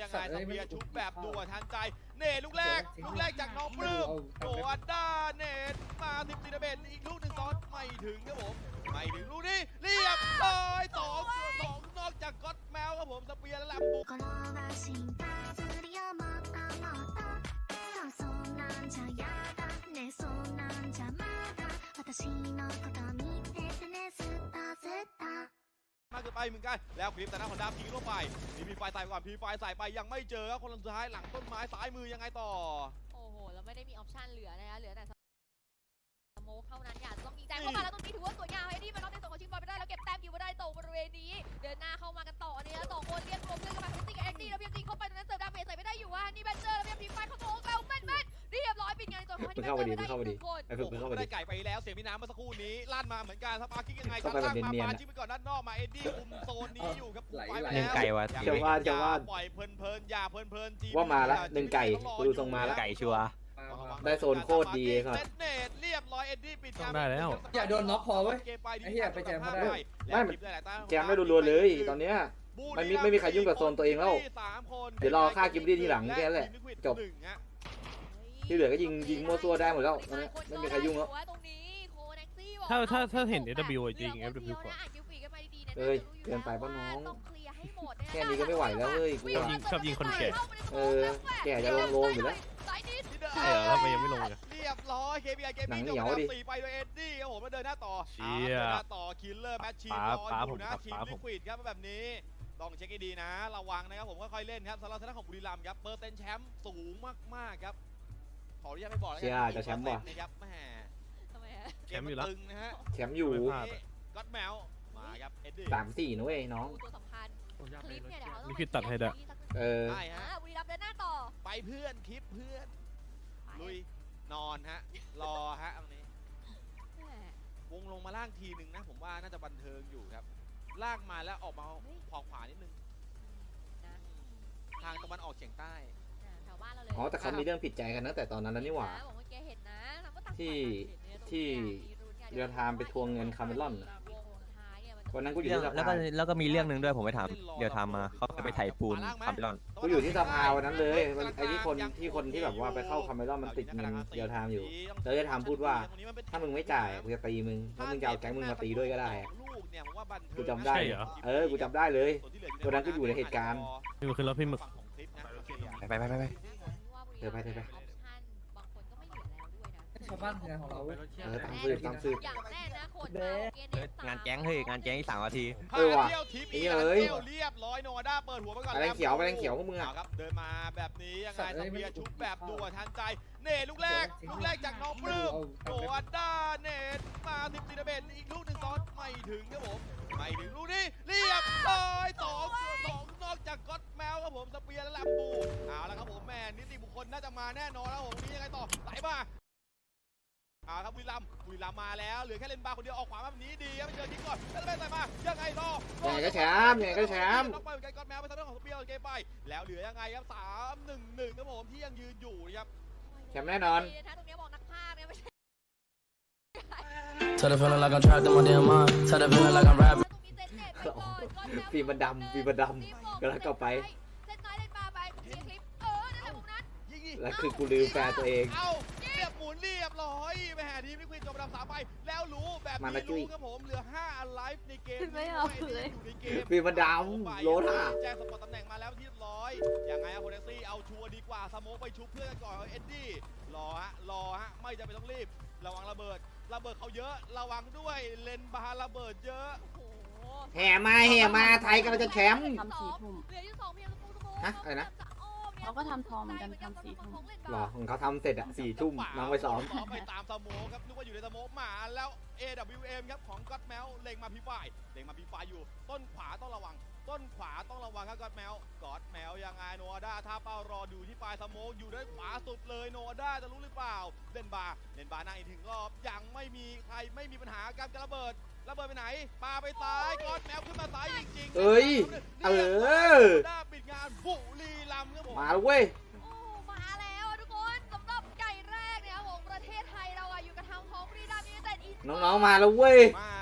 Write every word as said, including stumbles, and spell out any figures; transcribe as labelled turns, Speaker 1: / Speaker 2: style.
Speaker 1: ยังไงสเปียร์ชุบแบบด่วนทันใจเนตลูกแรกลูกแรกจากน้องปลื้มโดอันด้าเนตมาสิบตีระเบิดอีกลูกหนึ่งซ้อนไม่ถึงครับผมไม่ถึงลูกนี้เรียบร้อยสองสองนอกจากก็อตแมวครับผมสเปียร์และแลมบุกมากเกินไปเหมือนกันแล้วคลิปแต่หน้าของดาบยิงลงไปมีพีไฟใส่ก่อนพีไฟใส่ไปยังไม่เจอครับคนสุดท้ายหลังต้นไม้ซ้ายมือยังไงต่อ
Speaker 2: โอ้โหแล้วไม่ได้มีออปชั่นเหลือนะคะเหลือแต่สโมกเท่านั้นอยากต้องยิงแจงเข้ามาแล้วตรงนี้ถือว่าสวยงามไอ้นี่มันน็อกในส่วนของชิงบอลไปได้แล้วเก็บแต้มอยู่มาได้ตรงบริเวณนี้เดินหน้าเข้ามากันต่ออันนี้แล้วสองคนเรียกรวมเพื่อนกันมาเซตติ้งเอ็กซ์ดีแล้วเพียงจริงเข้าไปตรงนั้นเสิร์ฟดาเมจใส่ไม่ได้อยู่ว่านี่แบนเจอร์แล้วเพียงพีไฟเข้าโถงแล้วแม่นแม่นเรียบร้อยปิดงานในตัวของที่แบนเจอร์ไม่ได้อีกคน
Speaker 1: ไอ้ฝึกเข้าไปได้ไก่ไปแล้วเสียงพี่น้ำเมื่อสักครู่นี้ลั่นมาเหมือนกันสปาร์กิ้งยังไงครับล่างมาปาชิปไปก่อนด้านนอกมาเอ็ดดี้คุมโซนนี้อยู่ครับไฟไปแล้ว
Speaker 3: ไก่วะ
Speaker 1: จะว่าจะว่าปล่อยเพลินๆอย่าเพลินๆจี
Speaker 4: ว่ามาแล้วหนึ่งไก่ดูทรงมาแล้ว
Speaker 3: ไก่ชัวร์
Speaker 4: ได้โซนโคตรดีครับ
Speaker 1: เนตเรียบร้อยเอ็ดดี้ปิด
Speaker 5: ได้แล้ว
Speaker 6: อย่าโดนน็อกพอเว้ยไอ้เหี้ยไปแจมไม่ได้
Speaker 4: ไม่แจมไม่รัวๆเลยตอนเนี้ยมันไม่ไม่มีใครยุ่งกับโซนตัวเองแล้วเดี๋ยวรอฆ่ากิมดี้ทีหลังแค่นั้นแหละจบที่เหลือก็ยิงยิงมั่วซั่วได้หมดแล้วตอนนี้ไม่มีใครยุ่งแล้ว
Speaker 5: ถ้าถ้าถ้าเห็น เอฟ ดับเบิลยู จริง เอฟ ดับเบิลยู ก่อน
Speaker 4: เอ้ยเกินไปป่ะน้องแค่นี้ก็ไม่ไหวแล้วเฮ้ยกู
Speaker 5: ชอบยิงชอบยิงคนแก่
Speaker 4: เออแก่จะลงโลงอยู่แล้ว
Speaker 5: ใช่เหรอทำไมยังไม่ลงเลย
Speaker 1: เรียบร้อย เค พี ไอ เกมมิ่งจบสี่ไปโดยเอ็ดดี้ครับผมมาเดินหน้าต่อเชียร์ต่อคิลเลอร์แมชชีนรออยู่นะทีมลิควิดครับแบบนี้ต้องเช็คให้ดีนะระวังนะครับผมค่อยๆเล่นครับสำหรับทางด้านของบุรีรัมย์ครับเปอร์เซ็นต์แชมป์สูงมากๆครับขออนุญาตไม่บอกแล้วกัน
Speaker 4: จะแชมป์ว่ะ
Speaker 1: นะครับแหม
Speaker 5: แชมป์อยู่แล้ว
Speaker 1: นะฮะ
Speaker 4: แชมป์อยู่
Speaker 1: ก็อตแมวมาครับเอ็ดดี้
Speaker 4: สามสี่นะเว้ยน้อง
Speaker 5: นี่คือตัดให้ได้
Speaker 4: เออ
Speaker 1: ใช่ฮะ
Speaker 2: บุรีรัมย์เดินหน้าต่อ
Speaker 1: ไปเพื่อนคลิปเพื่อนลุยนอนฮะรอฮะตรงนี้วงลงมาล่างทีหนึ่งนะผมว่าน่าจะบันเทิงอยู่ครับล่างมาแล้วออกมาขวาขวานิดนึงทางตะวันออกเฉียงใต้
Speaker 4: อ๋อแต่เขามีเรื่องผิดใจกันนะแต่ตอนนั้นนี่หว่าที่ที่เรือทามไปทวงเงินคาร์เมลอนวันนั้นกูอยู่ที่สภา
Speaker 3: แล้วก็แล้วก็มีเรื่องหนึ่งด้วยผมไปถามเดี๋ยวทำมาเขาไปไถ่ปูนคาร์เมลอน
Speaker 4: กูอยู่ที่สภาวันนั้นเลยไอ้ที่คนที่คนที่แบบว่าไปเข้าคาร์เมลอนมันติดเงินเดียวทามอยู่แล้วจะทำพูดว่าถ้ามึงไม่จ่ายกูจะตีมึงถ้ามึงจะเอาแก๊งมึงมาตีด้วยก็ได้กูจำได้เออกูจำได้เลยวันนั้นก็อยู่ในเหตุการณ์
Speaker 5: พี่มึกขึ้นรถพี่มึก
Speaker 3: ไปไปไปไป
Speaker 4: เธอไปเธอไป
Speaker 6: ชาวบ้านงานของเรา
Speaker 4: เออตามสืบตามสืบ
Speaker 3: งานแก๊งเฮ้ยงานแก๊งที่สามนาที
Speaker 4: เออว่ะนี่เลย
Speaker 1: เรียบร้อยโนวาด้าเปิดหัวไปก่อน
Speaker 4: อะไรเขียวอะไรเขียวพวกมึงอ่ะ
Speaker 1: ครับเดินมาแบบนี้ยังไงสเปียร์ชุบแบบด่วนทันใจเนตลูกแรกลูกแรกจากน้องปลื้มโนวาด้าเนตมาสิบตีระเบิดอีกลูกหนึ่งซ้อนไม่ถึงครับผมไม่ถึงลูกนี้เรียบร้อยสองสองนอกจากก็อตแมวครับผมสเปียร์และแลมบูเอาละครับผมแม่นิติบุคคลน่าจะมาแน่นอนแล้วผมนี้ยังไงต่อไหลมาอ่าครับบุรีรัมย์บุรีรัมย์มาแล้วเหลือแค่เลนบาร์คนเดียวออกขวาแบบนี้ดีครับไปเจอทิ้งก่อนแล้วไปใส่มายังไงต่อ
Speaker 4: ยังไงก็แชมป์ยังไงก็แชมป์
Speaker 1: ต้องไปเหมือนกันก่อนแมวไปทางด้านของสเปียร์เกมไปแล้วเหลือยังไงครับสามหนึ่งหนึ่งครับผมที่ยังยืนอยู่ครับ
Speaker 4: แชมป์แน่นอน
Speaker 2: ตรงนี้บอกนักภาคเนี่ยไม่ใช่
Speaker 7: Tell the feeling like I'm trapped in my damn mind. Tell the feeling like I'm rapping.
Speaker 4: ฟีมันดำฟีมันดำก็แล้วก็ไปแล้วคือกูลืมแฟนตัวเอง
Speaker 1: เอาเรียบหมุนเรียบร้อยไปหาทีมลิควิดจบอันดับสามไปแล้วรู้แบบนี้รู้ครับผมเหลือห้าอันไลฟ์ในเกม
Speaker 2: ไม่เอาเลย
Speaker 4: ฟีมันดำโลท่า
Speaker 1: แจ้งสปอร์ตตำแหน่งมาแล้วที่เรียบร้อยยังไงอะโคเนซี่เอาชัวร์ดีกว่าสโมกไปชุบเพื่อนก่อนเอ็ดดี้รอฮะรอฮะไม่จำเป็นต้องรีบระวังระเบิดระเบิดเขาเยอะระวังด้วยเลนบาร์ระเบิดเยอะ
Speaker 4: แห่มาแห่มาไทยกำลังจะแชมป์
Speaker 2: ทำสี่ทุ่ม
Speaker 4: ฮะอะไรนะ
Speaker 2: เขาก็ทำทองเหมือนกันทำสี่ทุ่ม
Speaker 4: หรอของเขาทำเสร็จอะสี่ทุ่มน้องไปซ้อม
Speaker 1: ไปตามสโมครับนึกว่าอยู่ในสโมมาแล้ว เอ ดับเบิลยู เอ็ม ครับของก็อตแมวเล็งมาพีไฟเล็งมาพีไฟอยู่ต้นขวาต้องระวังต้นขวาต้องระวังครับก็อตแมวก็อตแมวยังไงโนอาด้าท่าเป้ารอดูที่ปลายสโมกอยู่ด้านขวาสุดเลยโนอาด้าจะรู้หรือเปล่าเล่นบาร์เล่นบาร์นั่งอีกถึงรอบยังไม่มีใครไม่มีปัญหาการระเบิดระเบิดไปไหนปาไปซ้ายก็อตแมวขึ้นมาซ้ายจริงๆ
Speaker 4: เอ้ยเออ
Speaker 1: ด้าปิดงานบุรีรัมย์ครับผม
Speaker 4: มาแล้วเว้ย
Speaker 2: มาแล้วทุกคนสำหรับไก่แรกเนี่ยของประเทศไทยเราอะอยู่กับทางของบุรีรัมย์ยูไนเต็ดอีส
Speaker 4: น้องๆมาแล้วเว้ย
Speaker 1: มา